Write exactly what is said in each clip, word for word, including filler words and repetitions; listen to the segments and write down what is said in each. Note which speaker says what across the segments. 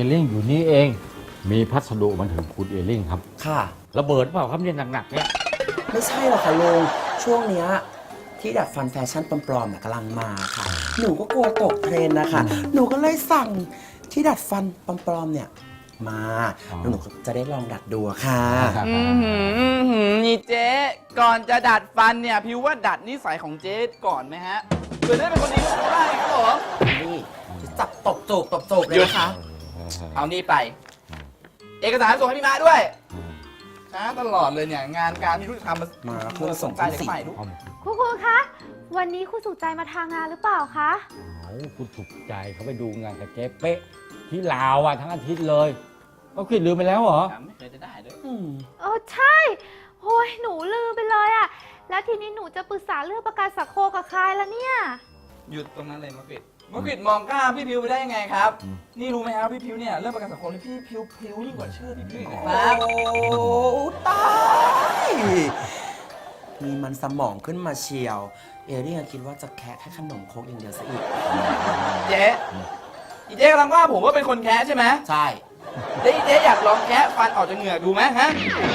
Speaker 1: เลี่ยงอยู่นี่เองมีพัสดุมาถึงคุณเอเลี่ยงครับ
Speaker 2: ค่ะ
Speaker 1: ระเบิดเปล่าครับเนี่ยหนักๆเนี่ย
Speaker 2: ไม่ใช่หรอกค่ะลุงช่วงเนี้ยที่ดัดฟันแฟชั่นปลอมๆน่ะกำลังมาค่ะ หนูก็กลัวตกเทรนด์นะคะหนูก็เลยสั่งที่ดัดฟันปลอมๆเนี่ยมาแล้วหนูก็จะได้ลองดัดดูค่ะ
Speaker 3: อืมหืมอื้อหืมนี่เจ๊ก่อนจะดัดฟันเนี่ยพิวว่าดัดนิสัยของเจ๊ก่อนไหมฮะเพื่อได้เป็นคนดีของเขาได้ครับผม
Speaker 2: นี่จับตบจูบตบจูบเลยนะคะ
Speaker 3: เอานี่ไป เอกสารส่งให้พี่มาด้วยช้าตลอดเลยเนี่ยงานการที่รู้จะทำมา
Speaker 2: มา
Speaker 3: เพื่อส่งใจเด็กใหม่ดู
Speaker 4: ครูครูคะวันนี้ครูสุใจมาทางงานหรือเปล่าคะ
Speaker 1: เอาคุณสุขใจเขาไปดูงานกับเจ๊เป๊ะที่ลาวอ่ะทั้งอาทิตย์เลยก็คิดลืมไปแล้วเหรอ
Speaker 3: ไม่เคยจะได้ด้วย
Speaker 2: อืม
Speaker 4: เออใช่โอ้ยหนูลืมไปเลยอะแล้วทีนี้หนูจะปรึกษาเรื่องประกันสังคมกับใครละเนี่ย
Speaker 3: หยุดตรงนั้นเลยมะกริดมะกริดมองกล้าพี่พิวไปได้ยังไงครับ นี่รู้ไหมครับพี่พิวเนี่ยเรื่องประกันสังคมนี่พี่พิวพิวยิ่งกว่าชื่อพี่พิวอีกนะครับ
Speaker 2: โอ้ตายมีมันสมองขึ้นมาเชียว เอเรี่ยคิดว่าจะแคะแค่ขนมโครกอย่างเดียวซะอีก
Speaker 3: เจ๊อีเจ๊กำลังว่าผมว่าเป็นคนแคะใช่ไหม
Speaker 2: ใช่
Speaker 3: แล้วอีเจ๊อยากลองแคะฟันออกจากเหงือกดูไหมฮะ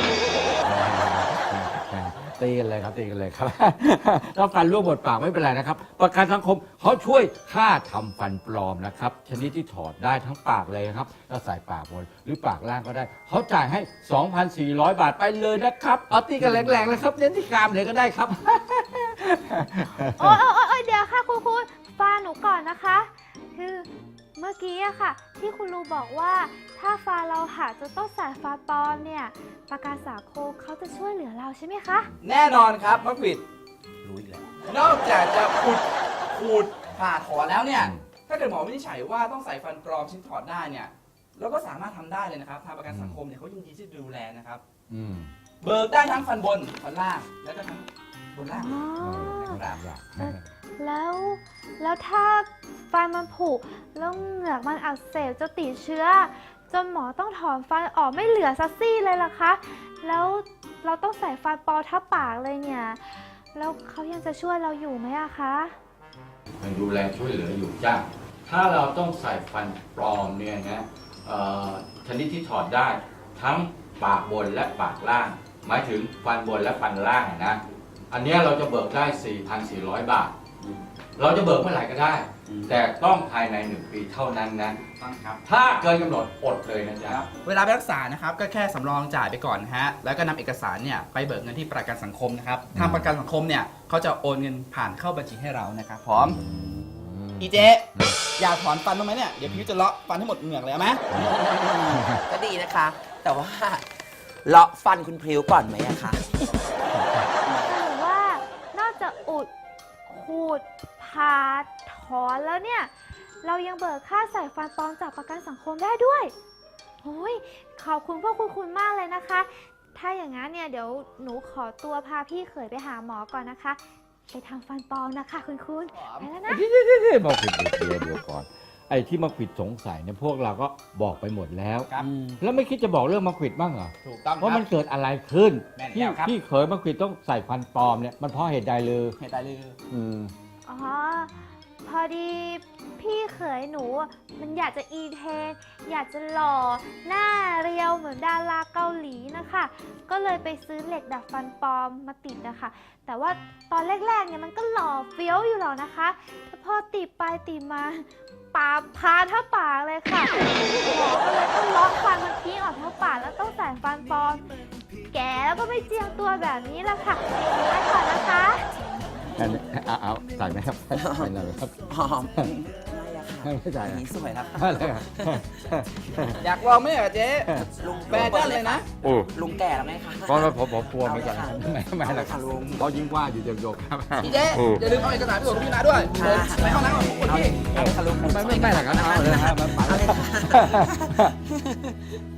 Speaker 1: ตีกันเลยครับตีกันเลยครับ ถ้าฟันร่วงหมดปากไม่เป็นไรนะครับ ประกันสังคมเขาช่วยค่าทำฟันปลอมนะครับชนิดที่ถอดได้ทั้งปากเลยนะครับถ้าใส่ปากบนหรือปากล่างก็ได้เขาจ่ายให้ สองพันสี่ร้อย บาทไปเลยนะครับเอาตีกันแรงๆเลยครับเน้นที่กรามเลยก็ได้ครับ
Speaker 4: โอ้ยโอ้ยโอ๊ยโอ้ยเดี๋ยวค่ะครูครูฟังหนูก่อนนะคะ คือเมื่อกี้อะค่ะ ที่คุณรูบอกว่าถ้าฟันเราหักจะต้องใส่ฟันปลอมเนี่ยประกันสังคมเขาจะช่วยเหลือเราใช่ไหมคะ
Speaker 3: แน่นอนครับมะกริด
Speaker 2: รู้อีกแล้ว
Speaker 3: นอกจากจะขุดขูดผ่าถอนแล้วเนี่ย ถ้าเกิดหมอวินิจฉัยว่าต้องใส่ฟันปลอมชิ้นถอดได้เนี่ยเราก็สามารถทำได้เลยนะครับทางประกันสังคมเนี่ยเขายินดีที่จะดูแลนะครับ
Speaker 1: อืม
Speaker 3: เบิกได้ทั้งฟันบนฟันล่างแล้วก็ทั้งบนล่าง
Speaker 4: อ๋อ
Speaker 3: นะครับ
Speaker 4: แล้วแล้วถ้าฟันมันผุแล้วเหงือกมันอักเสบจะติดเชื้อ จนหมอต้องถอนฟันออกไม่เหลือซัสซี่เลยล่ะคะ แล้วเราต้องใส่ฟันปลอมทับปากเลยเนี่ย แล้วเขายังจะช่วยเราอยู่ไหมอะคะ
Speaker 1: มันดูแลช่วยเหลืออยู่จ้าถ้าเราต้องใส่ฟันปลอมเนี่ยนะเอ่อชนิดที่ถอดได้ทั้งปากบนและปากล่าง หมายถึงฟันบนและฟันล่างนะอันเนี้ยเราจะเบิกได้ สี่พันสี่ร้อย บาท เราจะเบิกเมื่อไหร่ก็ได้ แต่ต้องภายในหนึ่งปีเท่านั้นนะ
Speaker 3: ต้องครับ
Speaker 1: ถ้าเกินกำหนดอดเลยนะจ๊ะ
Speaker 3: เวลาไปรักษานะครับก็แค่สำรองจ่ายไปก่อนนะฮะแล้วก็นำเอกสารเนี่ยไปเบิกเงินที่ประกันสังคมนะครับทางประกันสังคมเนี่ยเขาจะโอนเงินผ่านเข้าบัญชีให้เรานะครับพร้อมอีเจ๊อยากถอนฟันบ้างไหมเนี่ยเดี๋ยวพิวจะเลาะฟันให้หมดเหงือกเลยเอาไหม
Speaker 2: ก็ดีนะคะ แต่ว่าเลาะฟันคุณพริ้วก่อนไหมอะคะ
Speaker 4: หรือว่านอกจากอุดขูดผ่าถอนแล้วเนี่ย เรายังเบิกค่าใส่ฟันปลอมจากประกันสังคมได้ด้วยโอ้ยขอบคุณพวกคุณคุณมากเลยนะคะ ถ้าอย่างนั้นเนี่ยเดี๋ยวหนูขอตัวพาพี่เขยไปหาหมอก่อนนะคะ ไปทำฟันปลอมนะคะคุณคุณไปแล้วนะ
Speaker 1: เดี๋ยวเดี๋ยวเดี๋ยวบอกผิดเดี๋ยวเดี๋ยวก่อนไอ้ที่มาขวิดสงสัยเนี่ยพวกเราก็บอกไปหมดแล้ว
Speaker 3: ครับ
Speaker 1: แล้วไม่คิดจะบอกเรื่องมาขวิดบ้างเหรอ
Speaker 3: ถูกต้องค
Speaker 1: ว่า
Speaker 3: รับ
Speaker 1: มันเกิดอะไรขึ้น
Speaker 3: แม่น
Speaker 1: ที่
Speaker 3: แล้วครับ
Speaker 1: พี่เขยมาขวิดต้องใส่ฟันปลอมเนี่ยมันเพราะเหตุใดเลย
Speaker 3: เหตุใดเลย
Speaker 1: อืม
Speaker 4: อ๋อ พอดีพี่เขยหนูอะมันอยากจะอีเทน อยากจะหล่อหน้าเรียวเหมือนดาราเกาหลีนะคะ ก็เลยไปซื้อเหล็กดัดฟันปลอมมาติดนะคะ แต่ว่าตอนแรกๆเนี่ยมันก็หล่อเฟี้ยวอยู่หรอกนะคะแต่พอติดไปติดมาปากพาเท่าปากเลยค่ะหมอก็เลยต้องล็อกฟันมันทิ้งออกเท่าปากแล้วต้องใส่ฟันปลอม แก่แล้วก็ไม่เจียมตัวแบบนี้ละค่ะไปก่อนนะคะ
Speaker 1: อันนี้เอาเอาใส่ไหมครับใส่เลยครับ
Speaker 2: หอมไม่อะค่ะ
Speaker 1: ไม่ใส่
Speaker 2: อัน
Speaker 1: อะ
Speaker 2: นี้สวยแล้วค่ะ
Speaker 1: อะไรอะ
Speaker 3: อยากลองไหมเหรอเจ๊
Speaker 2: ลุง
Speaker 3: แบนด้านเลยนะ
Speaker 1: โอ้
Speaker 2: ลุงแก่แล้วไหมคะ
Speaker 1: ก็ผมผมกลัวเหมือนกันไม่ไม่ไม่หรอกครับเพราะยิ่งว่าอยู่เดียวๆครับ
Speaker 3: อีเจ๊อย่าลืมเอาเอกสารไปส่งพี่มาด้วยผมไปห้องน้ำก่อนทุกคนพี่
Speaker 2: เอาเลยค่ะลุง
Speaker 1: ไม่ไม่ไม่หรอกครับเอาเลยครับ
Speaker 2: เอาเลยค่ะ